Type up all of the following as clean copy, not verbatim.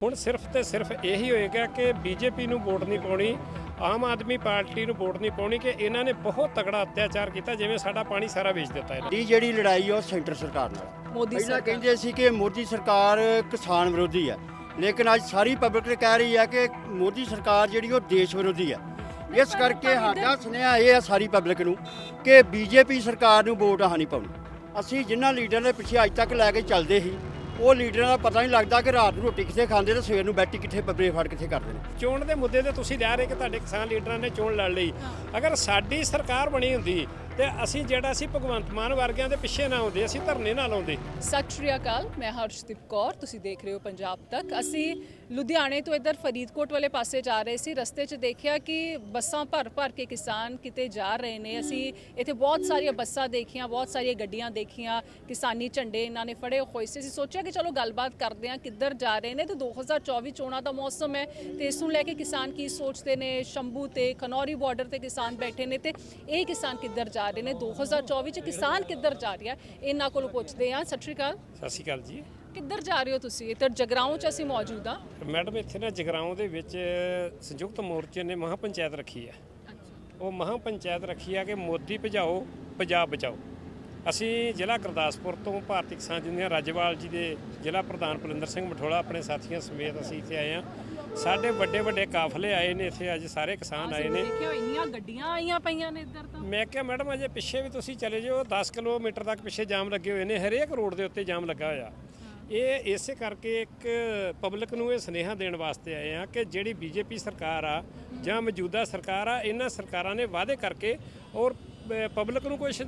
ਹੁਣ ਸਿਰਫ ਤੇ ਸਿਰਫ ਇਹੀ ਹੋਏਗਾ ਕਿ ਬੀਜੇਪੀ ਨੂੰ ਵੋਟ ਨਹੀਂ ਪਾਉਣੀ, ਆਮ ਆਦਮੀ ਪਾਰਟੀ ਨੂੰ ਵੋਟ ਨਹੀਂ ਪਾਉਣੀ ਕਿ ਇਹਨਾਂ ਨੇ ਬਹੁਤ ਤਗੜਾ ਅਤਿਆਚਾਰ ਕੀਤਾ, ਜਿਵੇਂ ਸਾਡਾ ਪਾਣੀ ਸਾਰਾ ਵੇਚ ਦਿੱਤਾ ਇਹਨਾਂ ਦੀ ਜਿਹੜੀ ਲੜਾਈ ਆ ਉਹ ਸੈਂਟਰ ਸਰਕਾਰ ਨਾਲ। ਮੋਦੀ ਪਹਿਲਾਂ ਸਰਕਾਰ ਕਹਿੰਦੇ ਸੀ ਕਿ ਮੋਦੀ ਸਰਕਾਰ ਕਿਸਾਨ ਵਿਰੋਧੀ ਹੈ, ਲੇਕਿਨ ਅੱਜ ਸਾਰੀ ਪਬਲਿਕ ਕਹਿ ਰਹੀ ਹੈ ਕਿ ਮੋਦੀ ਸਰਕਾਰ ਜਿਹੜੀ ਉਹ ਦੇਸ਼ ਵਿਰੋਧੀ ਹੈ। ਇਸ ਕਰਕੇ ਸਾਡਾ ਸੁਨੇਹਾ ਇਹ ਹੈ ਸਾਰੀ ਪਬਲਿਕ ਨੂੰ ਕਿ ਬੀਜੇਪੀ ਸਰਕਾਰ ਨੂੰ ਵੋਟ ਨਹੀਂ ਪਾਉਣੀ। ਅਸੀਂ ਜਿਨ੍ਹਾਂ ਲੀਡਰਾਂ ਦੇ ਪਿੱਛੇ ਅੱਜ ਤੱਕ ਲੈ ਕੇ ਚੱਲਦੇ ਸੀ, ਉਹ ਲੀਡਰਾਂ ਦਾ ਪਤਾ ਨਹੀਂ ਲੱਗਦਾ ਕਿ ਰਾਤ ਨੂੰ ਰੋਟੀ ਕਿੱਥੇ ਖਾਂਦੇ ਤੇ ਸਵੇਰ ਨੂੰ ਬੈਠੀ ਕਿੱਥੇ ਬੱਬਰੇ ਫੜ ਕਿੱਥੇ ਕਰਦੇ ਨੇ। ਚੋਣ ਦੇ ਮੁੱਦੇ ਤੇ ਤੁਸੀਂ ਲਿਆ ਰਹੇ ਕਿ ਤੁਹਾਡੇ ਕਿਸਾਨ ਲੀਡਰਾਂ ਨੇ ਚੋਣ ਲੜ ਲਈ। ਅਗਰ ਸਾਡੀ ਸਰਕਾਰ ਬਣੀ ਹੁੰਦੀ ਤੇ ਅਸੀਂ ਜਿਹੜਾ ਸੀ ਭਗਵੰਤ ਮਾਨ ਵਰਗਿਆਂ ਦੇ ਪਿੱਛੇ ਨਾ ਆਉਂਦੇ, ਅਸੀਂ ਧਰਨੇ ਨਾ ਲਾਉਂਦੇ। ਸਤਿ ਸ਼੍ਰੀ ਅਕਾਲ, ਮੈਂ ਹਰਸ਼ਦੀਪ ਕੌਰ, ਤੁਸੀਂ ਦੇਖ ਰਹੇ ਹੋ ਪੰਜਾਬ ਤੱਕ। ਅਸੀਂ ਲੁਧਿਆਣੇ ਤੋਂ ਇੱਧਰ ਫਰੀਦਕੋਟ ਵਾਲੇ ਪਾਸੇ ਜਾ ਰਹੇ ਸੀ। ਰਸਤੇ 'ਚ ਦੇਖਿਆ ਕਿ ਬੱਸਾਂ ਭਰ ਕੇ ਕਿਸਾਨ ਕਿਤੇ ਜਾ ਰਹੇ ਨੇ। ਅਸੀਂ ਇੱਥੇ ਬਹੁਤ ਸਾਰੀਆਂ ਬੱਸਾਂ ਦੇਖੀਆਂ, ਬਹੁਤ ਸਾਰੀਆਂ ਗੱਡੀਆਂ ਦੇਖੀਆਂ, ਕਿਸਾਨੀ ਝੰਡੇ ਇਹਨਾਂ ਨੇ ਫੜੇ ਹੋਏ ਸੀ। ਅਸੀਂ ਸੋਚਿਆ ਕਿ ਚਲੋ ਗੱਲਬਾਤ ਕਰਦੇ ਹਾਂ ਕਿੱਧਰ ਜਾ ਰਹੇ ਨੇ। ਤੇ 2024 ਚੋਣਾਂ ਦਾ ਮੌਸਮ ਹੈ ਤੇ ਇਸ ਨੂੰ ਲੈ ਕੇ ਕਿਸਾਨ ਕੀ ਸੋਚਦੇ ਨੇ। ਸ਼ੰਭੂ ਤੇ ਖਨੌਰੀ ਬਾਰਡਰ ਤੇ ਕਿਸਾਨ ਬੈਠੇ ਨੇ ਤੇ ਇਹ ਕਿਸਾਨ ਕਿੱਧਰ ਜਾ ਰਹੇ ਨੇ, 2024 ਚ ਕਿਸਾਨ ਕਿੱਧਰ ਜਾ ਰਿਹਾ, ਇਹਨਾਂ ਕੋਲੋਂ ਪੁੱਛਦੇ ਹਾਂ। ਸਤਿ ਸ਼੍ਰੀ ਅਕਾਲ। ਸਤਿ ਸ਼੍ਰੀ ਅਕਾਲ ਜੀ। ਕਿੱਧਰ ਜਾ ਰਹੇ ਹੋ ਤੁਸੀਂ? ਇੱਧਰ ਜਗਰਾਉਂ 'ਚ ਅਸੀਂ ਮੌਜੂਦ ਹਾਂ। ਮੈਡਮ ਇੱਥੇ ਨਾ ਜਗਰਾਉਂ ਦੇ ਵਿੱਚ ਸੰਯੁਕਤ ਮੋਰਚੇ ਨੇ ਮਹਾਂ ਪੰਚਾਇਤ ਰੱਖੀ ਹੈ। ਉਹ ਮਹਾਂ ਪੰਚਾਇਤ ਰੱਖੀ ਆ ਕਿ ਮੋਦੀ ਭਜਾਓ ਪੰਜਾਬ ਬਚਾਓ। ਅਸੀਂ ਜ਼ਿਲ੍ਹਾ ਗੁਰਦਾਸਪੁਰ ਤੋਂ ਭਾਰਤੀ ਕਿਸਾਨ ਯੂਨੀਅਨ ਰਾਜੇਵਾਲ ਜੀ ਦੇ ਜ਼ਿਲ੍ਹਾ ਪ੍ਰਧਾਨ ਪਲਿੰਦਰ ਸਿੰਘ ਮਠੋਲਾ ਆਪਣੇ ਸਾਥੀਆਂ ਸਮੇਤ ਅਸੀਂ ਇੱਥੇ ਆਏ ਹਾਂ। ਸਾਡੇ ਵੱਡੇ ਵੱਡੇ ਕਾਫਲੇ ਆਏ ਨੇ ਇੱਥੇ, ਅੱਜ ਸਾਰੇ ਕਿਸਾਨ ਆਏ ਨੇ। ਦੇਖਿਓ ਇੰਨੀਆਂ ਗੱਡੀਆਂ ਆਈਆਂ ਪਈਆਂ ਨੇ ਇੱਧਰ ਤਾਂ। ਮੈਂ ਕਿਹਾ ਮੈਡਮ ਅਜੇ ਪਿੱਛੇ ਵੀ ਤੁਸੀਂ ਚਲੇ ਜਾਓ, 10 ਕਿਲੋਮੀਟਰ ਤੱਕ ਪਿੱਛੇ ਜਾਮ ਲੱਗੇ ਹੋਏ ਨੇ, ਹਰੇਕ ਰੋਡ ਦੇ ਉੱਤੇ ਜਾਮ ਲੱਗਾ ਹੋਇਆ। ਇਹ ਇਸੇ ਕਰਕੇ ਇੱਕ ਪਬਲਿਕ ਨੂੰ ਇਹ ਸੁਨੇਹਾ ਦੇਣ ਵਾਸਤੇ ਆਏ ਆ ਕਿ ਜਿਹੜੀ ਬੀਜੇਪੀ ਸਰਕਾਰ ਆ ਜਾਂ ਮੌਜੂਦਾ ਸਰਕਾਰ ਆ, ਇਹਨਾਂ ਸਰਕਾਰਾਂ ਨੇ ਵਾਅਦੇ ਕਰਕੇ ਔਰ ਪਬਲਿਕ ਨੂੰ ਕੁਝ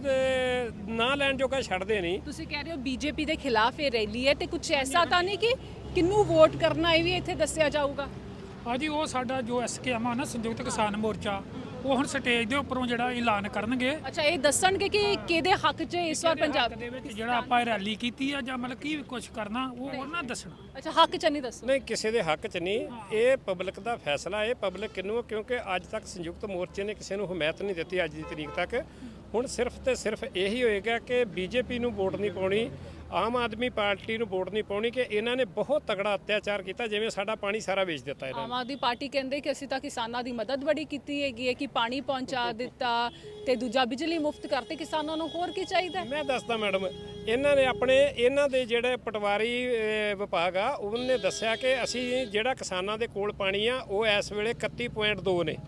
ਨਾ ਲੈਣ ਜੋਗਾ ਛੱਡਦੇ ਨਹੀਂ। ਤੁਸੀਂ ਕਹਿ ਰਹੇ ਹੋ ਬੀਜੇਪੀ ਦੇ ਖਿਲਾਫ ਇਹ ਰੈਲੀ ਹੈ ਤੇ ਕੁਝ ਐਸਾ ਤਾਂ ਨਹੀਂ ਕਿ ਕਿਹਨੂੰ ਵੋਟ ਕਰਨਾ ਇਹ ਵੀ ਇੱਥੇ ਦੱਸਿਆ ਜਾਊਗਾ? ਹਾਂਜੀ, ਉਹ ਸਾਡਾ ਜੋ ਐਸਕੇਐਮ ਆ ਨਾ, ਸੰਯੁਕਤ ਕਿਸਾਨ ਮੋਰਚਾ, ਉਹ ਹੁਣ ਸਟੇਜ ਦੇ ਉੱਪਰੋਂ ਜਿਹੜਾ ਐਲਾਨ ਕਰਨਗੇ। ਅੱਛਾ, ਇਹ ਦੱਸਣਗੇ ਕਿ ਕਿਹਦੇ ਹੱਕ 'ਚ ਇਸ ਵਾਰ ਪੰਜਾਬ ਦੇ ਵਿੱਚ ਜਿਹੜਾ ਆਪਾਂ ਰੈਲੀ ਕੀਤੀ ਆ ਜਾਂ ਮਤਲਬ ਕੀ ਕੁਝ ਕਰਨਾ ਉਹ ਉਹਨਾਂ ਦੱਸਣਾ। ਅੱਛਾ, ਹੱਕ 'ਚ ਨਹੀਂ ਦੱਸਣਾ? ਨਹੀਂ, ਕਿਸੇ ਦੇ ਹੱਕ 'ਚ ਨਹੀਂ, ਇਹ ਪਬਲਿਕ ਦਾ ਫੈਸਲਾ। ਇਹ ਪਬਲਿਕ ਕਿਹਨੂੰ, ਕਿਉਂਕਿ ਅੱਜ ਤੱਕ ਸੰਯੁਕਤ ਮੋਰਚੇ ਨੇ ਕਿਸੇ ਨੂੰ ਹਮਾਇਤ ਨਹੀਂ ਦਿੱਤੀ ਅੱਜ ਦੀ ਤਰੀਕ ਤੱਕ। ਹੁਣ ਸਿਰਫ ਤੇ ਸਿਰਫ ਇਹੀ ਹੋਏਗਾ ਕਿ ਬੀਜੇਪੀ ਨੂੰ ਵੋਟ ਨਹੀਂ ਪਾਉਣੀ, ਆਮ ਆਦਮੀ ਪਾਰਟੀ ਨੂੰ ਵੋਟ ਨਹੀਂ ਪਾਉਣੀ ਕਿ ਇਹਨਾਂ ਨੇ ਬਹੁਤ ਤਗੜਾ ਅਤਿਆਚਾਰ ਕੀਤਾ, ਜਿਵੇਂ ਸਾਡਾ ਪਾਣੀ ਸਾਰਾ ਵੇਚ ਦਿੱਤਾ ਇਹਨਾਂ ਨੇ। ਆਮ ਆਦਮੀ ਪਾਰਟੀ ਕਹਿੰਦੇ ਕਿ ਅਸੀਂ ਤਾਂ ਕਿਸਾਨਾਂ ਦੀ ਮਦਦ ਬੜੀ ਕੀਤੀ ਹੈਗੀ ਹੈ ਕਿ ਪਾਣੀ ਪਹੁੰਚਾ ਦਿੱਤਾ ਤੇ ਦੂਜਾ ਬਿਜਲੀ ਮੁਫਤ ਕਰਤੇ ਕਿਸਾਨਾਂ ਨੂੰ, ਹੋਰ ਕੀ ਚਾਹੀਦਾ? ਮੈਂ ਦੱਸਦਾ ਮੈਡਮ, ਇਹਨਾਂ ਨੇ ਇਹਨਾਂ ਦੇ ਜਿਹੜੇ ਪਟਵਾਰੀ ਵਿਭਾਗ ਆ ਉਹਨੇ ਦੱਸਿਆ ਕਿ ਅਸੀਂ ਜਿਹੜਾ ਕਿਸਾਨਾਂ ਦੇ ਕੋਲ ਪਾਣੀ ਆ ਉਹ ਇਸ ਵੇਲੇ 31.2 ਨੇ,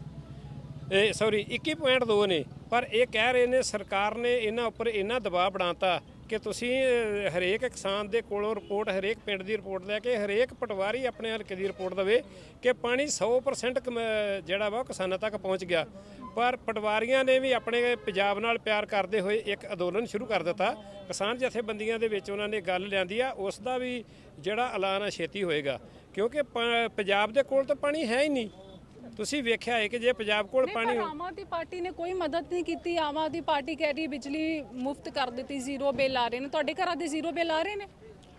21.2 ਨੇ। ਪਰ ਇਹ ਕਹਿ ਰਹੇ ਨੇ ਸਰਕਾਰ ਨੇ ਇਹਨਾਂ ਉੱਪਰ ਇੰਨਾ ਦਬਾਅ ਬਣਾਤਾ ਕਿ ਤੁਸੀਂ ਹਰੇਕ ਕਿਸਾਨ ਦੇ ਕੋਲੋਂ ਰਿਪੋਰਟ, ਹਰੇਕ ਪਿੰਡ ਦੀ ਰਿਪੋਰਟ ਲੈ ਕੇ ਹਰੇਕ ਪਟਵਾਰੀ ਆਪਣੇ ਹਲਕੇ ਦੀ ਰਿਪੋਰਟ ਦੇਵੇ ਕਿ ਪਾਣੀ 100% ਜਿਹੜਾ ਵਾ ਉਹ ਕਿਸਾਨਾਂ ਤੱਕ ਪਹੁੰਚ ਗਿਆ। ਪਰ ਪਟਵਾਰੀਆਂ ਨੇ ਵੀ ਆਪਣੇ ਪੰਜਾਬ ਨਾਲ ਪਿਆਰ ਕਰਦੇ ਹੋਏ ਇੱਕ ਅੰਦੋਲਨ ਸ਼ੁਰੂ ਕਰ ਦਿੱਤਾ। ਕਿਸਾਨ ਜਥੇਬੰਦੀਆਂ ਦੇ ਵਿੱਚ ਉਹਨਾਂ ਨੇ ਗੱਲ ਲਿਆਂਦੀ ਆ, ਉਸ ਦਾ ਵੀ ਜਿਹੜਾ ਐਲਾਨ ਆ ਛੇਤੀ ਹੋਏਗਾ, ਕਿਉਂਕਿ ਪੰਜਾਬ ਦੇ ਕੋਲ ਤਾਂ ਪਾਣੀ ਹੈ ਹੀ ਨਹੀਂ। ਤੁਸੀਂ ਵੇਖਿਆ ਹੈ ਕਿ ਜੇ ਪੰਜਾਬ ਕੋਲ ਪਾਣੀ। ਆਮ ਆਦਮੀ ਪਾਰਟੀ ਨੇ ਕੋਈ ਮਦਦ ਨਹੀਂ ਕੀਤੀ। ਆਮ ਆਦਮੀ ਪਾਰਟੀ ਕਹਿ ਰਹੀ ਬਿਜਲੀ ਮੁਫਤ ਕਰ ਦਿੱਤੀ, ਜ਼ੀਰੋ ਬਿੱਲ ਆ ਰਹੇ ਨੇ। ਤੁਹਾਡੇ ਘਰਾਂ ਦੇ ਜ਼ੀਰੋ ਬਿੱਲ ਆ ਰਹੇ ਨੇ?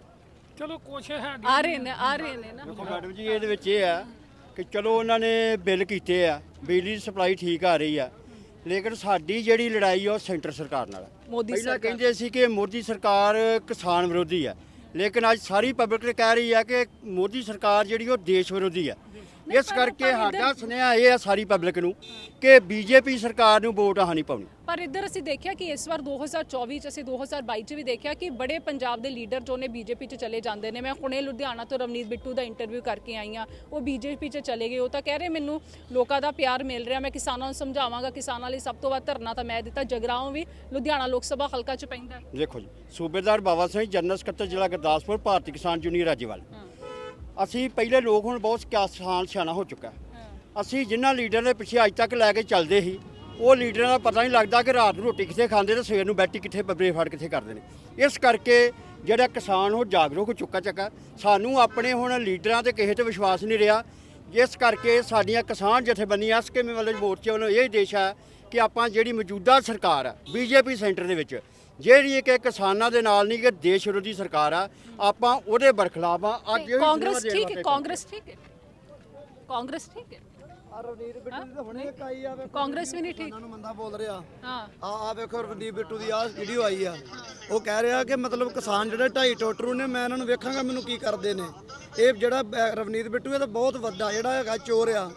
ਚਲੋ ਕੁਛ ਹੈ ਆ ਰਹੇ ਨੇ ਨਾ। ਦੇਖੋ ਮੈਡਮ ਜੀ, ਇਹਦੇ ਵਿੱਚ ਇਹ ਆ ਕਿ ਚਲੋ ਉਹਨਾਂ ਨੇ ਬਿੱਲ ਕੀਤੇ ਆ, ਬਿਜਲੀ ਦੀ ਸਪਲਾਈ ਠੀਕ ਆ ਰਹੀ ਆ, ਲੇਕਿਨ ਸਾਡੀ ਜਿਹੜੀ ਲੜਾਈ ਆ ਉਹ ਸੈਂਟਰ ਸਰਕਾਰ ਨਾਲ। ਮੋਦੀ ਸਰਕਾਰ ਕਹਿੰਦੇ ਸੀ ਕਿ ਮੋਦੀ ਸਰਕਾਰ ਕਿਸਾਨ ਵਿਰੋਧੀ ਆ, ਲੇਕਿਨ ਅੱਜ ਸਾਰੀ ਪਬਲਿਕ ਕਹਿ ਰਹੀ ਆ ਕਿ ਮੋਦੀ ਸਰਕਾਰ ਜਿਹੜੀ ਉਹ ਦੇਸ਼ ਵਿਰੋਧੀ ਆ। ਇਸ ਕਰਕੇ ਸਾਡਾ ਸੁਨੇਹਾ ਇਹ ਆ ਸਾਰੀ ਪਬਲਿਕ ਨੂੰ ਕਿ ਬੀਜੇਪੀ ਸਰਕਾਰ ਨੂੰ ਵੋਟ ਨਹੀਂ ਪਾਉਣੀ। ਪਰ ਇੱਧਰ ਅਸੀਂ ਦੇਖਿਆ ਕਿ ਇਸ ਵਾਰ 2024 ਚ, ਅਸੀਂ 2022 ਚ ਵੀ ਦੇਖਿਆ ਕਿ ਬੜੇ ਪੰਜਾਬ ਦੇ ਲੀਡਰ ਜੋ ਨੇ ਬੀਜੇਪੀ ਚ ਚਲੇ ਜਾਂਦੇ ਨੇ। ਮੈਂ ਹੁਣੇ ਲੁਧਿਆਣਾ ਤੋਂ ਰਵਨੀਤ ਬਿੱਟੂ ਦਾ ਇੰਟਰਵਿਊ ਕਰਕੇ ਆਈ ਹਾਂ, ਉਹ ਬੀਜੇਪੀ ਚ ਚਲੇ ਗਏ। ਉਹ ਤਾਂ ਕਹਿ ਰਹੇ ਮੈਨੂੰ ਲੋਕਾਂ ਦਾ ਪਿਆਰ ਮਿਲ ਰਿਹਾ, ਮੈਂ ਕਿਸਾਨਾਂ ਨੂੰ ਸਮਝਾਵਾਂਗਾ। ਕਿਸਾਨਾਂ ਲਈ ਸਭ ਤੋਂ ਵੱਧ ਧਰਨਾ ਤਾਂ ਮੈਂ ਦਿੱਤਾ। ਜਗਰਾਉਂ ਵੀ ਲੁਧਿਆਣਾ ਲੋਕ ਸਭਾ ਹਲਕਾ ਚ ਪੈਂਦਾ। ਦੇਖੋ ਜੀ, ਸੂਬੇਦਾਰ ਬਾਬਾ ਸਿੰਘ, ਜਨਰਲ ਸਕੱਤਰ ਜ਼ਿਲ੍ਹਾ ਗੁਰਦਾਸਪੁਰ, ਭਾਰਤੀ ਕਿਸਾਨ ਯੂਨੀਅਨ ਰਾਜੇਵਾਲ। ਅਸੀਂ ਪਹਿਲੇ ਲੋਕ ਹੁਣ ਬਹੁਤ ਕਿਸਾਨ ਸਿਆਣਾ ਹੋ ਚੁੱਕਾ। ਅਸੀਂ ਜਿਨ੍ਹਾਂ ਲੀਡਰਾਂ ਦੇ ਪਿੱਛੇ ਅੱਜ ਤੱਕ ਲੈ ਕੇ ਚੱਲਦੇ ਸੀ, ਉਹ ਲੀਡਰਾਂ ਦਾ ਪਤਾ ਨਹੀਂ ਲੱਗਦਾ ਕਿ ਰਾਤ ਨੂੰ ਰੋਟੀ ਕਿੱਥੇ ਖਾਂਦੇ ਤੇ ਸਵੇਰ ਨੂੰ ਬੈਠੀ ਕਿੱਥੇ ਬੱਬਰੇ ਫੜ ਕਿੱਥੇ ਕਰਦੇ ਨੇ। ਇਸ ਕਰਕੇ ਜਿਹੜਾ ਕਿਸਾਨ ਉਹ ਜਾਗਰੂਕ ਹੋ ਚੁੱਕਾ ਚੱਕਾ। ਸਾਨੂੰ ਆਪਣੇ ਹੁਣ ਲੀਡਰਾਂ ਤੇ ਕਿਸੇ ਤੇ ਵਿਸ਼ਵਾਸ ਨਹੀਂ ਰਿਹਾ। ਜਿਸ ਕਰਕੇ ਸਾਡੀਆਂ ਕਿਸਾਨ ਜਥੇਬੰਦੀਆਂ ਐਸਕੇਐਮ ਵਾਲੇ ਮੋਰਚੇ ਵੱਲੋਂ ਇਹ ਦੇਸ਼ ਹੈ ਕਿ ਆਪਾਂ ਜਿਹੜੀ ਮੌਜੂਦਾ ਸਰਕਾਰ ਆ ਬੀਜੇਪੀ ਸੈਂਟਰ ਦੇ ਵਿੱਚ, ਜਿਹੜੀ ਕਿ ਕਿਸਾਨਾਂ ਦੇ ਨਾਲ ਨਹੀਂ ਕਿ ਦੇਸ਼ ਵਿਰੋਧੀ ਸਰਕਾਰ ਆ, ਆਪਾਂ ਉਹਦੇ ਬਰਖਲਾਫ ਆ। ਅੱਜ ਕਾਂਗਰਸ ਠੀਕ ਹੈ, ਕਾਂਗਰਸ ਠੀਕ ਹੈ, ਕਾਂਗਰਸ ਠੀਕ ਹੈ। ਰਵਨੀਤ ਬਿੱਟੂ ਦੀ ਤਾਂ ਹੁਣੇ ਇੱਕ ਆਈ ਆ, ਕਾਂਗਰਸ ਵੀ ਨਹੀਂ ਠੀਕ। ਉਹਨਾਂ ਨੂੰ ਮੰਦਾ ਬੋਲ ਰਿਹਾ। ਹਾਂ, ਆ ਵੇਖੋ ਰਵਨੀਤ ਬਿੱਟੂ ਦੀ ਆ ਵੀਡੀਓ ਆਈ ਆ, ਉਹ ਕਹਿ ਰਿਹਾ ਕਿ ਮਤਲਬ ਕਿਸਾਨ ਜਿਹੜੇ 2.5 ਟੋਟਰੂ ਨੇ, ਮੈਂ ਇਹਨਾਂ ਨੂੰ ਵੇਖਾਂਗਾ ਮੈਨੂੰ ਕੀ ਕਰਦੇ ਨੇ। ਇਹ ਜਿਹੜਾ ਰਵਨੀਤ ਬਿੱਟੂ ਇਹ ਤਾਂ ਬਹੁਤ ਵੱਡਾ ਜਿਹੜਾ ਹੈਗਾ ਚੋਰ ਆ।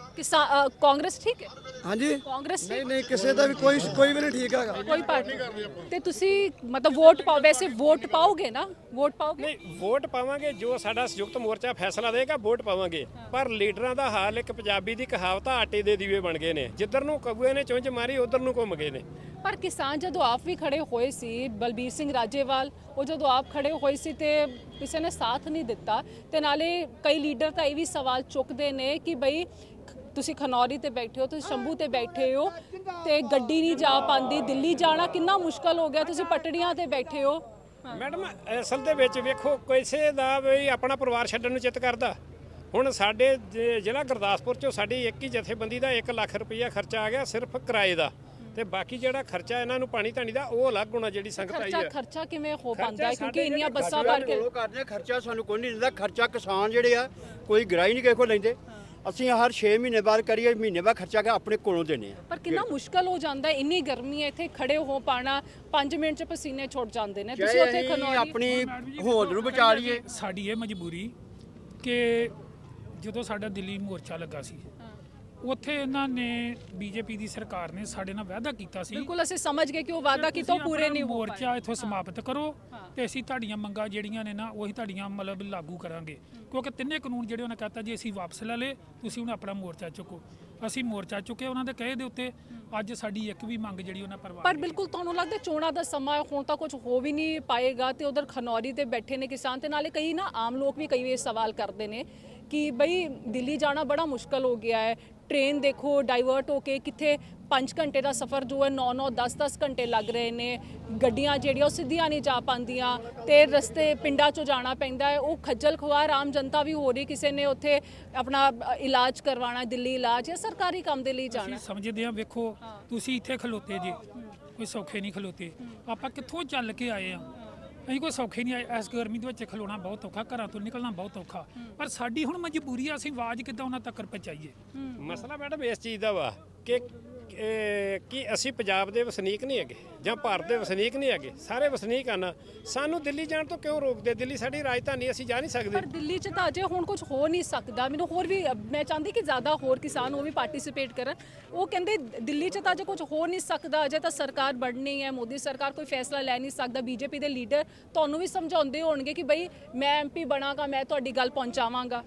ਕਾਂਗਰਸ ਠੀਕ ਹੈ? ਹਾਂਜੀ ਕਾਂਗਰਸ ਠੀਕ? ਨਹੀਂ ਕਿਸੇ ਦਾ ਵੀ ਕੋਈ ਵੀ ਨਹੀਂ ਠੀਕ ਹੈਗਾ। ਕੋਈ ਪਾਰਟੀ ਤੇ ਤੁਸੀਂ ਮਤਲਬ ਵੋਟ ਪਾਓ, ਵੈਸੇ ਵੋਟ ਪਾਓਗੇ ਨਾ? ਵੋਟ ਪਾਓਗੇ? ਨਹੀਂ, ਵੋਟ ਪਾਵਾਂਗੇ, ਜੋ ਸਾਡਾ ਸੰਯੁਕਤ ਮੋਰਚਾ ਫੈਸਲਾ ਦੇਗਾ ਵੋਟ ਪਾਵਾਂਗੇ। ਪਰ ਲੀਡਰਾਂ ਦਾ ਹਾਲ ਇੱਕ ਪੰਜਾਬੀ ਦੀ ਕਹਾਵਤ ਆ, ਆਟੇ ਦੇ ਦੀਵੇ ਬਣ ਗਏ ਨੇ, ਜਿੱਧਰ ਨੂੰ ਕਗੂਏ ਨੇ ਚੁੰਝ ਮਾਰੀ ਉਧਰ ਨੂੰ ਘੁੰਮ ਗਏ ਨੇ। ਪਰ ਕਿਸਾਨ ਜਦੋਂ ਆਪ ਵੀ ਖੜੇ ਹੋਏ ਸੀ, ਬਲਬੀਰ ਸਿੰਘ ਰਾਜੇਵਾਲ, ਉਹ ਜਦੋਂ ਆਪ ਖੜੇ ਹੋਏ ਸੀ ਤੇ ਕਿਸੇ ਨੇ ਸਾਥ ਨਹੀਂ ਦਿੱਤਾ। ਤੇ ਨਾਲੇ ਕਈ ਲੀਡਰ ਤਾਂ ਇਹ ਵੀ ਸਵਾਲ ਚੁੱਕਦੇ ਨੇ ਕਿ ਬਈ ਤੁਸੀਂ ਖਨੌਰੀ ਤੇ ਬੈਠੇ ਹੋ, ਤੁਸੀਂ ਸ਼ੰਭੂ ਤੇ ਬੈਠੇ ਹੋ ਤੇ ਗੱਡੀ ਨਹੀਂ ਜਾ ਪਾਉਂਦੀ, ਦਿੱਲੀ ਜਾਣਾ ਕਿੰਨਾ ਮੁਸ਼ਕਲ ਹੋ ਗਿਆ, ਤੁਸੀਂ ਪਟੜੀਆਂ ਤੇ ਬੈਠੇ ਹੋ। ਮੈਡਮ ਅਸਲ ਦੇ ਵਿੱਚ ਵੇਖੋ, ਕਿਸੇ ਦਾ ਵੀ ਆਪਣਾ ਪਰਿਵਾਰ ਛੱਡਣ ਨੂੰ ਚਿੱਤ ਕਰਦਾ। ਹੁਣ ਸਾਡੇ ਜ਼ਿਲ੍ਹਾ ਗੁਰਦਾਸਪੁਰ ਚੋਂ ਸਾਡੀ ਇੱਕ ਹੀ ਜਥੇਬੰਦੀ ਦਾ 1 ਲੱਖ ਰੁਪਈਆ ਖਰਚਾ ਆ ਗਿਆ ਸਿਰਫ ਕਿਰਾਏ ਦਾ, ਤੇ ਬਾਕੀ ਜਿਹੜਾ ਖਰਚਾ ਇਹਨਾਂ ਨੂੰ ਪਾਣੀ ਧਾਣੀ ਦਾ ਉਹ ਅਲੱਗ ਹੋਣਾ, ਜਿਹੜੀ ਸੰਗਤ ਆਈ ਹੈ। ਖਰਚਾ ਕਿਵੇਂ ਹੋ ਪਾਉਂਦਾ ਹੈ? ਕਿਉਂਕਿ ਸਾਡੇ ਇੰਨੀਆਂ ਬੱਸਾਂ ਭਰ ਕੇ ਉਹ ਕਰਦੇ ਆ, ਖਰਚਾ ਸਾਨੂੰ ਕੋਈ ਨਹੀਂ ਦਿੰਦਾ। ਖਰਚਾ ਕਿਸਾਨ ਜਿਹੜੇ ਆ ਕੋਈ ਗਰਾਈ ਨਹੀਂ ਕਿਸੇ ਕੋਲ ਲੈਂਦੇ। ਅਸੀਂ ਹਰ 6 ਮਹੀਨੇ ਬਾਅਦ ਕਰੀਏ, ਮਹੀਨੇ ਬਾਅਦ ਖਰਚਾ ਆਪਣੇ ਕੋਲੋਂ ਦੇਣੇ ਆ। ਪਰ ਕਿੰਨਾ ਮੁਸ਼ਕਲ ਹੋ ਜਾਂਦਾ ਹੈ, ਇੰਨੀ ਗਰਮੀ ਹੈ, ਇੱਥੇ ਖੜੇ ਹੋ ਪਾਣਾ 5 ਮਿੰਟ ਚ ਪਸੀਨੇ ਛੁੱਟ ਜਾਂਦੇ ਨੇ। ਤੁਸੀਂ ਉੱਥੇ ਖਨੌਰੀ ਆਪਣੀ ਹੋਂਦ ਨੂੰ ਬਚਾ ਲਈਏ। ਸਾਡੀ ਇਹ ਮਜਬੂਰੀ ਕਿ ਜਦੋਂ ਸਾਡਾ ਦਿੱਲੀ ਮੋਰਚਾ ਲੱਗਾ ਸੀ, ਉੱਥੇ ਇਹਨਾਂ ਨੇ ਬੀਜੇਪੀ ਦੀ ਸਰਕਾਰ ਨੇ ਸਾਡੇ ਨਾਲ ਵਾਅਦਾ ਕੀਤਾ ਸੀ, ਬਿਲਕੁਲ ਅਸੀਂ ਸਮਝ ਗਏ ਕਿ ਉਹ ਵਾਅਦਾ ਕੀਤਾ ਉਹ ਪੂਰੇ ਨਹੀਂ ਹੋ ਪਾਏ। ਮੋਰਚਾ ਇੱਥੋਂ ਸਮਾਪਤ ਕਰੋ ਤੇ ਅਸੀਂ ਤੁਹਾਡੀਆਂ ਮੰਗਾਂ ਜਿਹੜੀਆਂ ਨੇ ਨਾ ਉਹੀ ਤੁਹਾਡੀਆਂ ਮਤਲਬ ਲਾਗੂ ਕਰਾਂਗੇ। ਕਿਉਂਕਿ ਤਿੰਨੇ ਕਾਨੂੰਨ ਜਿਹੜੇ ਉਹਨਾਂ ਕਹਤਾ ਜੀ ਅਸੀਂ ਵਾਪਸ ਲੈ ਲਏ, ਤੁਸੀਂ ਹੁਣ ਆਪਣਾ ਮੋਰਚਾ ਚੁੱਕੋ। ਅਸੀਂ ਮੋਰਚਾ ਚੁੱਕੇ ਉਹਨਾਂ ਦੇ ਕਹੇ ਦੇ ਉੱਤੇ। ਅੱਜ ਸਾਡੀ ਇੱਕ ਵੀ ਮੰਗ ਜਿਹੜੀ ਉਹਨਾਂ ਪਰਵਾਹ ਪਰ ਬਿਲਕੁਲ ਤੁਹਾਨੂੰ ਲੱਗਦਾ ਚੋਣਾਂ ਦਾ ਸਮਾਂ ਹੁਣ ਤਾਂ ਕੁਝ ਹੋ ਵੀ ਨਹੀਂ ਪਾਏਗਾ ਤੇ ਉਧਰ ਖਨੌਰੀ ਤੇ ਬੈਠੇ ਨੇ ਕਿਸਾਨ, ਤੇ ਨਾਲੇ ਕਈ ਨਾ ਆਮ ਲੋਕ ਵੀ ਕਈ ਵਾਰ ਸਵਾਲ ਕਰਦੇ ਨੇ ਕਿ ਬਈ ਦਿੱਲੀ ਜਾਣਾ ਬੜਾ ਮੁਸ਼ਕਲ ਹੋ ਗਿਆ ਹੈ। ਟ੍ਰੇਨ ਦੇਖੋ ਡਾਈਵਰਟ ਹੋ ਕੇ ਕਿੱਥੇ 5 ਘੰਟੇ ਦਾ ਸਫ਼ਰ ਜੋ ਹੈ 9-9 10-10 ਘੰਟੇ ਲੱਗ ਰਹੇ ਨੇ। ਗੱਡੀਆਂ ਜਿਹੜੀਆਂ ਉਹ ਸਿੱਧੀਆਂ ਨਹੀਂ ਜਾ ਪਾਉਂਦੀਆਂ ਤੇ ਰਸਤੇ ਪਿੰਡਾਂ 'ਚੋਂ ਜਾਣਾ ਪੈਂਦਾ ਹੈ। ਉਹ ਖੱਜਲ ਖੁਆਰ ਆਮ ਜਨਤਾ ਵੀ ਹੋ ਰਹੀ। ਕਿਸੇ ਨੇ ਉੱਥੇ ਆਪਣਾ ਇਲਾਜ ਕਰਵਾਉਣਾ, ਦਿੱਲੀ ਇਲਾਜ ਜਾਂ ਸਰਕਾਰੀ ਕੰਮ ਦੇ ਲਈ ਜਾਣਾ। ਅਸੀਂ ਸਮਝਦੇ ਹਾਂ, ਵੇਖੋ ਤੁਸੀਂ ਇੱਥੇ ਖਲੋਤੇ ਜੀ, ਕੋਈ ਸੌਖੇ ਨਹੀਂ ਖਲੋਤੇ। ਆਪਾਂ ਕਿੱਥੋਂ ਚੱਲ ਕੇ ਆਏ ਆ, ਅਸੀਂ ਕੋਈ ਸੌਖੇ ਨਹੀਂ ਆਏ। ਇਸ ਗਰਮੀ ਦੇ ਵਿੱਚ ਖਲੋਣਾ ਬਹੁਤ ਔਖਾ, ਘਰਾਂ ਤੋਂ ਨਿਕਲਣਾ ਬਹੁਤ ਔਖਾ। ਪਰ ਸਾਡੀ ਹੁਣ ਮਜਬੂਰੀ ਆ, ਅਸੀਂ ਆਵਾਜ਼ ਕਿੱਦਾਂ ਉਹਨਾਂ ਤੱਕ ਪਹੁੰਚਾਈਏ। ਮਸਲਾ ਮੈਡਮ ਇਸ ਚੀਜ਼ ਦਾ ਵਾ ਕਿ ਅਸੀਂ ਪੰਜਾਬ ਦੇ ਵਸਨੀਕ ਨਹੀਂ ਹੈਗੇ ਜਾਂ ਭਾਰਤ ਦੇ ਵਸਨੀਕ ਨਹੀਂ ਹੈਗੇ, ਸਾਰੇ ਵਸਨੀਕ ਹਨ। ਸਾਨੂੰ ਦਿੱਲੀ ਜਾਣ ਤੋਂ ਕਿਉਂ ਰੋਕਦੇ? ਦਿੱਲੀ ਸਾਡੀ ਰਾਜਧਾਨੀ, ਅਸੀਂ ਜਾ ਨਹੀਂ ਸਕਦੇ। ਪਰ ਦਿੱਲੀ 'ਚ ਤਾਂ ਅਜੇ ਹੁਣ ਕੁਝ ਹੋ ਨਹੀਂ ਸਕਦਾ। ਮੈਨੂੰ ਹੋਰ ਵੀ ਮੈਂ ਚਾਹੁੰਦੀ ਕਿ ਜ਼ਿਆਦਾ ਹੋਰ ਕਿਸਾਨ ਉਹ ਵੀ ਪਾਰਟਿਸਿਪੇਟ ਕਰਨ। ਉਹ ਕਹਿੰਦੇ ਦਿੱਲੀ 'ਚ ਤਾਂ ਅਜੇ ਕੁਝ ਹੋ ਨਹੀਂ ਸਕਦਾ, ਅਜੇ ਤਾਂ ਸਰਕਾਰ ਬਣਨੀ ਹੈ, ਮੋਦੀ ਸਰਕਾਰ ਕੋਈ ਫੈਸਲਾ ਲੈ ਨਹੀਂ ਸਕਦਾ। ਬੀਜੇਪੀ ਦੇ ਲੀਡਰ ਤੁਹਾਨੂੰ ਵੀ ਸਮਝਾਉਂਦੇ ਹੋਣਗੇ ਕਿ ਬਈ ਮੈਂ ਐਮਪੀ ਬਣਾਂਗਾ, ਮੈਂ ਤੁਹਾਡੀ ਗੱਲ ਪਹੁੰਚਾਵਾਂਗਾ।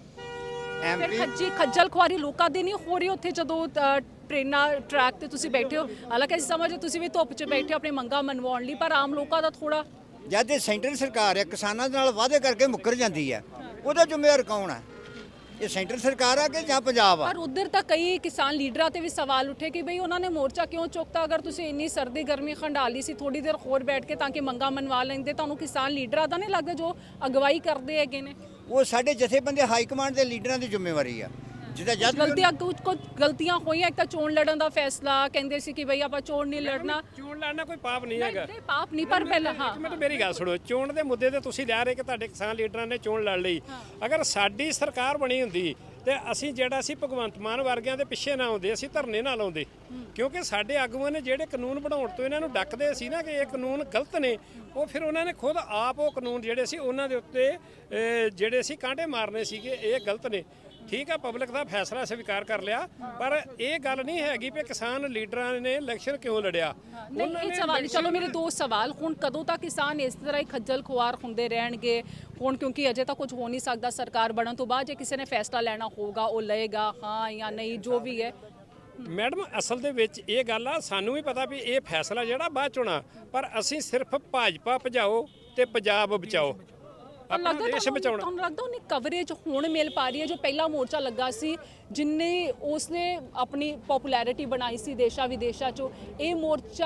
ਫਿਰ ਖੱਜਲ ਖੁਆਰੀ ਲੋਕਾਂ ਦੀ ਨਹੀਂ ਹੋ ਰਹੀ ਉੱਥੇ ਜਦੋਂ ਟ੍ਰੇਨਾਂ ਟਰੈਕ ਤੇ ਤੁਸੀਂ ਬੈਠੇ ਹੋ? ਹਾਲਾਂਕਿ ਅਸੀਂ ਸਮਝਦੇ ਤੁਸੀਂ ਵੀ ਧੁੱਪ 'ਚ ਬੈਠੇ ਹੋ ਆਪਣੀ ਮੰਗਾਂ ਮਨਵਾਉਣ ਲਈ, ਪਰ ਆਮ ਲੋਕਾਂ ਦਾ ਥੋੜਾ ਜਦ ਇਹ ਸੈਂਟਰ ਸਰਕਾਰ ਹੈ ਕਿਸਾਨਾਂ ਦੇ ਨਾਲ ਵਾਅਦੇ ਕਰਕੇ ਮੁੱਕਰ ਜਾਂਦੀ ਹੈ, ਉਹਦਾ ਜ਼ਿੰਮੇਵਾਰ ਕੌਣ ਹੈ? ਇਹ ਸੈਂਟਰ ਸਰਕਾਰ ਆ ਕਿ ਜਾਂ ਪੰਜਾਬ ਆ? ਪਰ ਉਧਰ ਤਾਂ ਕਈ ਕਿਸਾਨ ਲੀਡਰਾਂ ਤੇ ਵੀ ਸਵਾਲ ਉੱਠੇ ਕਿ ਬਈ ਉਹਨਾਂ ਨੇ ਮੋਰਚਾ ਕਿਉਂ ਚੁੱਕਤਾ? ਅਗਰ ਤੁਸੀਂ ਇੰਨੀ ਸਰਦੀ ਗਰਮੀ ਖੰਡਾਲੀ ਸੀ, ਥੋੜੀ ਦੇਰ ਹੋਰ ਬੈਠ ਕੇ ਤਾਂ ਕਿ ਮੰਗਾਂ ਮਨਵਾ ਲੈਂਦੇ। ਤੁਹਾਨੂੰ ਕਿਸਾਨ ਲੀਡਰਾਂ ਦਾ ਨਹੀਂ ਲੱਗਦਾ ਜੋ ਅਗਵਾਈ ਕਰਦੇ ਹੈਗੇ ਨੇ? ਉਹ ਸਾਡੇ ਜਥੇਬੰਦੀ ਹਾਈ ਕਮਾਂਡ ਦੇ ਲੀਡਰਾਂ ਦੀ ਜ਼ਿੰਮੇਵਾਰੀ ਆ। ਜਿਹਦਾ ਜਦ ਕੁਝ ਗਲਤੀਆਂ ਹੋਈਆਂ। ਇੱਕ ਤਾਂ ਚੋਣ ਲੜਨ ਦਾ ਫੈਸਲਾ, ਕਹਿੰਦੇ ਸੀ ਕਿ ਬਈ ਆਪਾਂ ਚੋਣ ਨਹੀਂ ਲੜਨਾ। ਚੋਣ ਲੜਨਾ ਕੋਈ ਪਾਪ ਨਹੀਂ ਹੈਗਾ। ਨਹੀਂ ਪਾਪ ਨਹੀਂ, ਪਰ ਪਹਿਲਾਂ ਹਾਂ ਮੈਨੂੰ ਮੇਰੀ ਗੱਲ ਸੁਣੋ, ਚੋਣ ਦੇ ਮੁੱਦੇ ਤੇ ਤੁਸੀਂ ਲਿਆ ਰਹੇ ਕਿ ਤੁਹਾਡੇ ਕਿਸਾਨ ਲੀਡਰਾਂ ਨੇ ਚੋਣ ਲੜ ਲਈ। ਅਗਰ ਸਾਡੀ ਸਰਕਾਰ ਬਣੀ ਹੁੰਦੀ ਤੇ ਅਸੀਂ ਜਿਹੜਾ ਸੀ ਭਗਵੰਤ ਮਾਨ ਵਰਗਿਆਂ ਦੇ ਪਿੱਛੇ ਨਾ ਆਉਂਦੇ, ਅਸੀਂ ਧਰਨੇ ਨਾ ਲਾਉਂਦੇ। ਕਿਉਂਕਿ ਸਾਡੇ ਆਗੂਆਂ ਨੇ ਜਿਹੜੇ ਕਾਨੂੰਨ ਬਣਾਉਣ ਤੋਂ ਇਹਨਾਂ ਨੂੰ ਡੱਕਦੇ ਸੀ ਨਾ ਕਿ ਇਹ ਕਾਨੂੰਨ ਗਲਤ ਨੇ, ਉਹ ਫਿਰ ਉਹਨਾਂ ਨੇ ਖੁਦ ਆਪ ਉਹ ਕਾਨੂੰਨ ਜਿਹੜੇ ਸੀ ਉਹਨਾਂ ਦੇ ਉੱਤੇ ਜਿਹੜੇ ਸੀ ਕਾਂਟੇ ਮਾਰਨੇ ਸੀਗੇ, ਇਹ ਗਲਤ ਨੇ। ਠੀਕ ਆ, ਪਬਲਿਕ ਦਾ ਫੈਸਲਾ ਸਵੀਕਾਰ ਕਰ ਲਿਆ, ਪਰ ਇਹ ਗੱਲ ਨਹੀਂ ਹੈਗੀ ਕਿ ਕਿਸਾਨ ਲੀਡਰਾਂ ਨੇ ਇਲੈਕਸ਼ਨ ਕਿਉਂ ਲੜਿਆ। ਨਹੀਂ ਇਹ ਸਵਾਲ ਚਲੋ ਮੇਰੇ ਦੋ ਸਵਾਲ। ਹੁਣ ਕਦੋਂ ਤੱਕ ਕਿਸਾਨ ਇਸ ਤਰ੍ਹਾਂ ਹੀ ਖੱਜਲ ਖੁਆਰ ਹੁੰਦੇ ਰਹਿਣਗੇ? ਹੁਣ ਕਿਉਂਕਿ ਅਜੇ ਤਾਂ ਕੁਝ ਹੋ ਨਹੀਂ ਸਕਦਾ, ਸਰਕਾਰ ਬਣਨ ਤੋਂ ਬਾਅਦ ਜੇ ਕਿਸੇ ਨੇ ਫੈਸਲਾ ਲੈਣਾ ਹੋਊਗਾ ਉਹ ਲਏਗਾ, ਹਾਂ ਜਾਂ ਨਹੀਂ, ਜੋ ਵੀ ਹੈ। ਮੈਡਮ ਅਸਲ ਦੇ ਵਿੱਚ ਇਹ ਗੱਲ ਆ, ਸਾਨੂੰ ਵੀ ਪਤਾ ਵੀ ਇਹ ਫੈਸਲਾ ਜਿਹੜਾ ਬਾਅਦ ਚ ਹੋਣਾ, ਪਰ ਅਸੀਂ ਸਿਰਫ ਭਾਜਪਾ ਭਜਾਓ ਤੇ ਪੰਜਾਬ ਬਚਾਓ, ਆਪਣਾ ਦੇਸ਼ ਬਚਾਉਣਾ। ਤੁਹਾਨੂੰ ਲੱਗਦਾ ਉਹਨੇ ਕਵਰੇਜ ਹੁਣ ਮਿਲ ਪਾ ਰਹੀ ਹੈ? ਜੋ ਪਹਿਲਾ ਮੋਰਚਾ ਲੱਗਾ ਸੀ ਜਿੰਨੇ ਉਸਨੇ ਆਪਣੀ ਪਪੂਲੈਰਿਟੀ ਬਣਾਈ ਸੀ ਦੇਸ਼ਾਂ ਵਿਦੇਸ਼ਾਂ 'ਚੋਂ, ਇਹ ਮੋਰਚਾ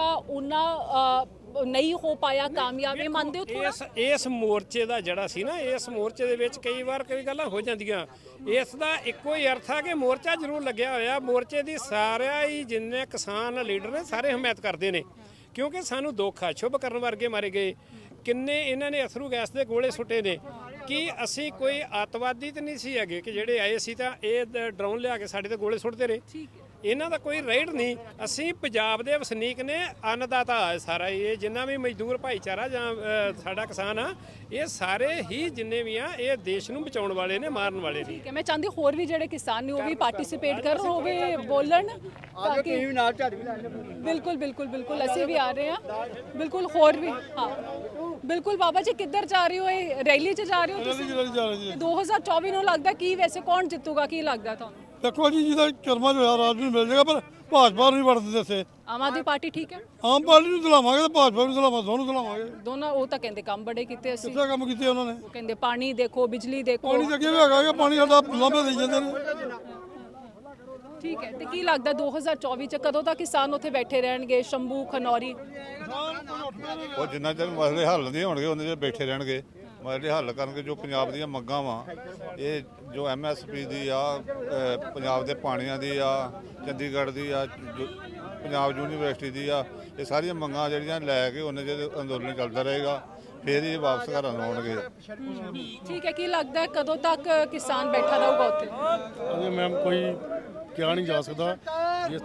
ਉਹਨਾਂ ਨਹੀਂ ਹੋ ਪਾਇਆ ਕਾਮਯਾਬ? ਇਹ ਮੰਨਦੇ ਹੋ ਥੋੜਾ? ਇਸ ਮੋਰਚੇ ਦਾ ਜਿਹੜਾ ਸੀ ਨਾ, ਇਸ ਮੋਰਚੇ ਦੇ ਵਿੱਚ ਕਈ ਵਾਰ ਕਈ ਗੱਲਾਂ ਹੋ ਜਾਂਦੀਆਂ। ਇਸ ਦਾ ਇੱਕੋ ਹੀ ਅਰਥ ਆ ਕਿ ਮੋਰਚਾ ਜ਼ਰੂਰ ਲੱਗਿਆ ਹੋਇਆ, ਮੋਰਚੇ ਦੀ ਸਾਰਿਆਂ ਹੀ ਜਿੰਨੇ ਕਿਸਾਨ ਲੀਡਰ ਨੇ ਸਾਰੇ ਹਮਾਇਤ ਕਰਦੇ ਨੇ। ਕਿਉਂਕਿ ਸਾਨੂੰ ਦੁੱਖ ਆ, ਸ਼ੁਭ ਕਰਨ ਵਰਗੇ ਮਾਰੇ ਗਏ, ਕਿੰਨੇ ਇਹਨਾਂ ਨੇ ਅਥਰੂ ਗੈਸ ਦੇ ਗੋਲੇ ਸੁੱਟੇ ਨੇ। ਕਿ ਅਸੀਂ ਕੋਈ ਅੱਤਵਾਦੀ ਤਾਂ ਨਹੀਂ ਸੀ ਹੈਗੇ ਕਿ ਜਿਹੜੇ ਆਏ ਸੀ ਤਾਂ ਇਹ ਡਰੋਨ ਲਿਆ ਕੇ ਸਾਡੇ ਤੇ ਗੋਲੇ ਸੁੱਟਦੇ ਰਹੇ। ਇਹਨਾਂ ਦਾ ਕੋਈ ਰੇਟ ਨਹੀਂ। ਅਸੀਂ ਪੰਜਾਬ ਦੇ ਵਸਨੀਕ ਨੇ, ਅੰਨਦਾਤਾ ਹੈ ਸਾਰਾ ਇਹ, ਜਿੰਨਾ ਵੀ ਮਜ਼ਦੂਰ ਭਾਈਚਾਰਾ ਜਾਂ ਸਾਡਾ ਕਿਸਾਨ ਆ, ਇਹ ਸਾਰੇ ਹੀ ਜਿੰਨੇ ਵੀ ਆ ਇਹ ਦੇਸ਼ ਨੂੰ ਬਚਾਉਣ ਵਾਲੇ ਨੇ, ਮਾਰਨ ਵਾਲੇ ਨਹੀਂ। ਕਿ ਮੈਂ ਚਾਹੁੰਦੀ ਹੋਰ ਵੀ ਜਿਹੜੇ ਕਿਸਾਨ ਨੇ ਉਹ ਵੀ ਪਾਰਟਿਸਿਪੇਟ ਕਰਨ, ਉਹ ਵੀ ਬੋਲਣ ਤਾਂ ਕਿ ਵੀ ਨਾਲ ਝਾੜੀ ਵੀ ਲੈ ਲਓ। ਬਿਲਕੁਲ ਬਿਲकुल ਬਿਲकुल ਅਸੀਂ ਵੀ ਆ ਰਹੇ ਹਾਂ ਬਿਲकुल ਹੋਰ ਵੀ ਹਾਂ ਬਿਲकुल। ਬਾਬਾ ਜੀ ਕਿੱਧਰ ਜਾ ਰਹੇ ਹੋ? ਇਹ ਰੈਲੀ 'ਚ ਜਾ ਰਹੇ ਹੋ ਤੁਸੀਂ? 2024 ਨੂੰ ਲੱਗਦਾ ਕੀ ਵੈਸੇ ਕੌਣ ਜਿੱਤੂਗਾ, ਕੀ ਲੱਗਦਾ ਤੁਹਾਨੂੰ? ਦੇਖੋ ਜੀ ਜਿਹਦਾ ਕਰਮਾਂ ਚ ਹੋਇਆ ਰਾਜ ਨੂੰ ਮਿਲ ਜਾਏਗਾ, ਪਰ ਭਾਜਪਾ ਨੂੰ ਨਹੀਂ ਵੜਦੇ ਇੱਥੇ। ਆਮ ਆਦਮੀ ਪਾਰਟੀ ਠੀਕ ਹੈ, ਆਮ ਪਾਰਟੀ ਨੂੰ ਦਿਲਾਵਾਂਗੇ ਤੇ ਭਾਜਪਾ ਨੂੰ ਦਿਲਾਵਾਂਗੇ, ਦੋਨੋਂ ਦਿਲਾਵਾਂਗੇ। ਦੋਨੋਂ ਉਹ ਤਾਂ ਕਹਿੰਦੇ ਕੰਮ ਬੜੇ ਕੀਤੇ ਅਸੀਂ, ਕਿੱਥੇ ਕੰਮ ਕੀਤੇ ਉਹਨਾਂ ਨੇ? ਉਹ ਕਹਿੰਦੇ ਪਾਣੀ ਦੇਖੋ, ਬਿਜਲੀ ਦੇਖੋ। ਪਾਣੀ ਤਾਂ ਅੱਗੇ ਵੀ ਹੈਗਾ, ਪਾਣੀ ਸਾਡਾ ਲਾਂਭੇ ਦੇਈ ਜਾਂਦੇ ਨੇ। ਠੀਕ ਹੈ, ਤੇ ਕੀ ਲੱਗਦਾ 2024 ਚ ਕਦੋਂ ਤੱਕ ਕਿਸਾਨ ਉੱਥੇ ਬੈਠੇ ਰਹਿਣਗੇ? ਸ਼ੰਭੂ, ਖਨੌਰੀ? ਉਹ ਜਿੰਨਾ ਚਿਰ ਮਸਲੇ ਹੱਲ ਨਹੀਂ ਹੋਣਗੇ ਉਹਨਾਂ ਚਿਰ ਬੈਠੇ ਰਹਿਣਗੇ। ਮਸਲੇ ਹੱਲ ਕਰਨਗੇ। ਜੋ ਪੰਜਾਬ ਦੀਆਂ ਮੰਗਾਂ ਵਾ, ਇਹ ਜੋ MSP ਦੀ ਆ, ਪੰਜਾਬ ਦੇ ਪਾਣੀਆਂ ਦੀ ਆ, ਚੰਡੀਗੜ੍ਹ ਦੀ ਆ, ਪੰਜਾਬ ਯੂਨੀਵਰਸਿਟੀ ਦੀ ਆ, ਇਹ ਸਾਰੀਆਂ ਮੰਗਾਂ ਜਿਹੜੀਆਂ ਲੈ ਕੇ ਉਹਨਾਂ ਚਿਰ ਅੰਦੋਲਨ ਚੱਲਦਾ ਰਹੇਗਾ, ਫਿਰ ਇਹ ਵਾਪਸ ਘਰਾਂ ਨੂੰ ਆਉਣਗੇ। ਠੀਕ ਹੈ, ਕੀ ਲੱਗਦਾ ਹੈ ਕਦੋਂ ਤੱਕ ਕਿਸਾਨ ਬੈਠਾ ਰਹੂਗਾ ਉੱਥੇ? ਅਜੇ ਮੈਮ ਕੋਈ ਕਿਹਾ ਨਹੀਂ ਜਾ ਸਕਦਾ। ਜਿਸ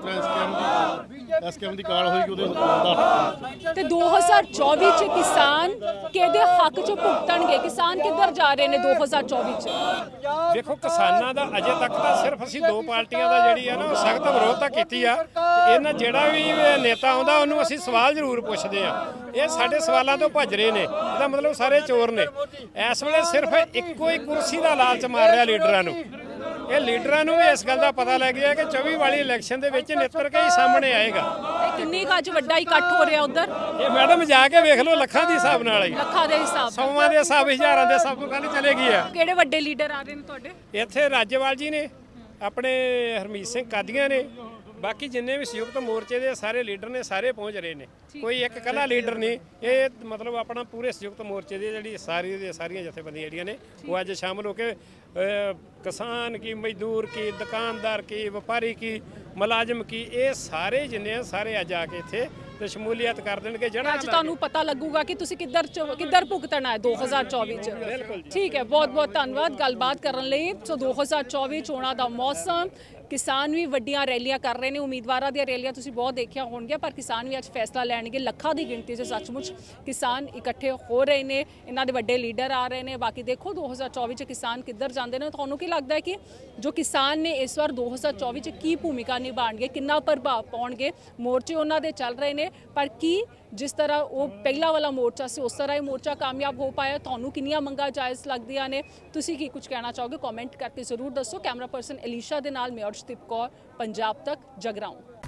ਤਰ੍ਹਾਂ ਸਕੈਮ ਦੀ ਕਾਲ ਹੋਏਗੀ ਉਹਦੇ ਦਾ। ਤੇ 2024 ਚ ਕਿਸਾਨ ਕਿਹਦੇ ਹੱਕ ਚ ਭੁਗਤਣਗੇ? ਕਿਸਾਨ ਕਿੱਧਰ ਜਾ ਰਹੇ ਨੇ 2024 ਚ? ਵੇਖੋ ਕਿਸਾਨਾਂ ਦਾ ਅਜੇ ਤੱਕ ਤਾਂ ਸਿਰਫ ਅਸੀਂ ਦੋ ਪਾਰਟੀਆਂ ਦਾ ਜਿਹੜੀ ਆ ਨਾ ਉਹ ਸਖਤ ਵਿਰੋਧਤਾ ਕੀਤੀ ਆ, ਤੇ ਇਹਨਾਂ ਜਿਹੜਾ ਵੀ ਨੇਤਾ ਆਉਂਦਾ ਉਹਨੂੰ ਅਸੀਂ ਸਵਾਲ ਜ਼ਰੂਰ ਪੁੱਛਦੇ ਆ। ਇਹ ਸਾਡੇ ਸਵਾਲਾਂ ਤੋਂ ਭੱਜ ਰਹੇ ਨੇ, ਇਹਦਾ ਮਤਲਬ ਸਾਰੇ ਚੋਰ ਨੇ। ਇਸ ਵੇਲੇ ਸਿਰਫ ਇੱਕੋ ਹੀ ਕੁਰਸੀ ਦਾ ਲਾਲਚ ਮਾਰ ਰਿਹਾ ਲੀਡਰਾਂ ਨੂੰ। ਇਹ ਲੀਡਰਾਂ ਨੂੰ ਵੀ ਇਸ ਗੱਲ ਦਾ ਪਤਾ ਲੱਗ ਗਿਆ ਕਿ 24 ਵਾਲੀ ਇਲੈਕਸ਼ਨ ਦੇ ਵਿੱਚ ਨਿੱਤਰ ਕੇ ਹੀ ਸਾਹਮਣੇ ਆਏਗਾ। ਤੇ ਕਿੰਨੀ ਕੁ ਅੱਜ ਵੱਡਾ ਇਕੱਠ ਹੋ ਰਿਹਾ ਉਧਰ? ਇਹ ਮੈਡਮ ਜਾ ਕੇ ਵੇਖ ਲਓ, ਲੱਖਾਂ ਦੇ ਹਿਸਾਬ ਨਾਲ ਹੀ, ਲੱਖਾਂ ਦੇ ਹਿਸਾਬ? ਸੌਵਾਂ ਦੇ ਹਿਸਾਬ, ਹਜ਼ਾਰਾਂ ਦੇ ਹਿਸਾਬ ਤੋਂ ਕੱਲ ਚਲੇਗੀ ਆ। ਕਿਹੜੇ ਵੱਡੇ ਲੀਡਰ ਆ ਰਹੇ ਨੇ ਤੁਹਾਡੇ? ਇੱਥੇ ਰਾਜੇਵਾਲ ਜੀ ਨੇ, ਆਪਣੇ ਹਰਮੀਤ ਸਿੰਘ ਕਾਦੀਆਂ ਨੇ, ਬਾਕੀ ਜਿੰਨੇ ਵੀ ਸੰਯੁਕਤ ਮੋਰਚੇ ਦੇ ਸਾਰੇ ਲੀਡਰ ਨੇ, ਸਾਰੇ ਪਹੁੰਚ ਰਹੇ ਨੇ। ਕੋਈ ਇੱਕ ਇਕੱਲਾ ਲੀਡਰ ਨਹੀਂ, ਇਹ ਮਤਲਬ ਆਪਣਾ ਪੂਰੇ ਸੰਯੁਕਤ ਮੋਰਚੇ ਦੀ ਜਿਹੜੀ ਸਾਰੀਆਂ ਜਥੇਬੰਦੀਆਂ ਜਿਹੜੀਆਂ ਨੇ ਉਹ ਅੱਜ ਸ਼ਾਮਲ ਹੋ ਕੇ ਕਿਸਾਨ ਕੀ, ਮਜ਼ਦੂਰ ਕੀ, ਦੁਕਾਨਦਾਰ ਕੀ, ਵਪਾਰੀ ਕੀ, ਮੁਲਾਜ਼ਮ ਕੀ, ਇਹ ਸਾਰੇ ਜਿੰਨੇ ਆ ਸਾਰੇ ਅੱਜ ਆ ਕੇ ਇੱਥੇ ਤੇ ਸ਼ਮੂਲੀਅਤ ਕਰ ਦੇਣਗੇ। ਜਿਹੜਾ ਅੱਜ ਤੁਹਾਨੂੰ ਪਤਾ ਲੱਗੂਗਾ ਕਿ ਤੁਸੀਂ ਕਿੱਧਰ ਭੁਗਤਣਾ ਹੈ 2024 ਚ। ਠੀਕ ਹੈ, ਬਹੁਤ ਬਹੁਤ ਧੰਨਵਾਦ ਗੱਲਬਾਤ ਕਰਨ ਲਈ। ਸੋ 2024 ਚੋਣਾਂ ਦਾ ਮੌਸਮ, ਕਿਸਾਨ ਵੀ ਵੱਡੀਆਂ ਰੈਲੀਆਂ ਕਰ ਰਹੇ ਨੇ। ਉਮੀਦਵਾਰਾਂ ਦੀਆਂ ਰੈਲੀਆਂ ਤੁਸੀਂ ਬਹੁਤ ਦੇਖਿਆ ਹੋਣਗੀਆਂ, ਪਰ ਕਿਸਾਨ ਵੀ ਅੱਜ ਫੈਸਲਾ ਲੈਣਗੇ। ਲੱਖਾਂ ਦੀ ਗਿਣਤੀ 'ਚ ਸੱਚਮੁੱਚ ਕਿਸਾਨ ਇਕੱਠੇ ਹੋ ਰਹੇ ਨੇ, ਇਹਨਾਂ ਦੇ ਵੱਡੇ ਲੀਡਰ ਆ ਰਹੇ ਨੇ। ਬਾਕੀ ਦੇਖੋ 2024 ਚ ਕਿਸਾਨ ਕਿੱਧਰ ਜਾਂਦੇ ਨੇ। ਤੁਹਾਨੂੰ ਕੀ ਲੱਗਦਾ ਹੈ ਕਿ ਜੋ ਕਿਸਾਨ ਨੇ ਇਸ ਵਾਰ 2024 ਚ ਕੀ ਭੂਮਿਕਾ ਨਿਭਾਉਣਗੇ, ਕਿੰਨਾ ਪ੍ਰਭਾਵ ਪਾਉਣਗੇ? ਮੋਰਚੇ ਉਹਨਾਂ ਦੇ ਚੱਲ ਰਹੇ ਨੇ, ਪਰ ਕੀ ਜਿਸ ਤਰ੍ਹਾਂ ਉਹ ਪਹਿਲਾ ਵਾਲਾ ਮੋਰਚਾ ਸੀ ਉਸ ਤਰ੍ਹਾਂ ਹੀ ਮੋਰਚਾ ਕਾਮਯਾਬ ਹੋ ਪਾਇਆ? ਤੁਹਾਨੂੰ ਕਿੰਨੀਆਂ ਮੰਗਾਂ ਜਾਇਜ਼ ਲੱਗਦੀਆਂ ਨੇ? ਤੁਸੀਂ ਕੀ ਕੁਝ ਕਹਿਣਾ ਚਾਹੋਗੇ? ਕਮੈਂਟ ਕਰਕੇ ਜ਼ਰੂਰ ਦੱਸੋ। ਕੈਮਰਾ ਪਰਸਨ ਅਲੀਸ਼ਾ ਦੇ ਨਾਲ ਮੈਂ ਅਰਸ਼ਦੀਪ ਕੌਰ, ਪੰਜਾਬ ਤੱਕ, ਜਗਰਾਉਂ।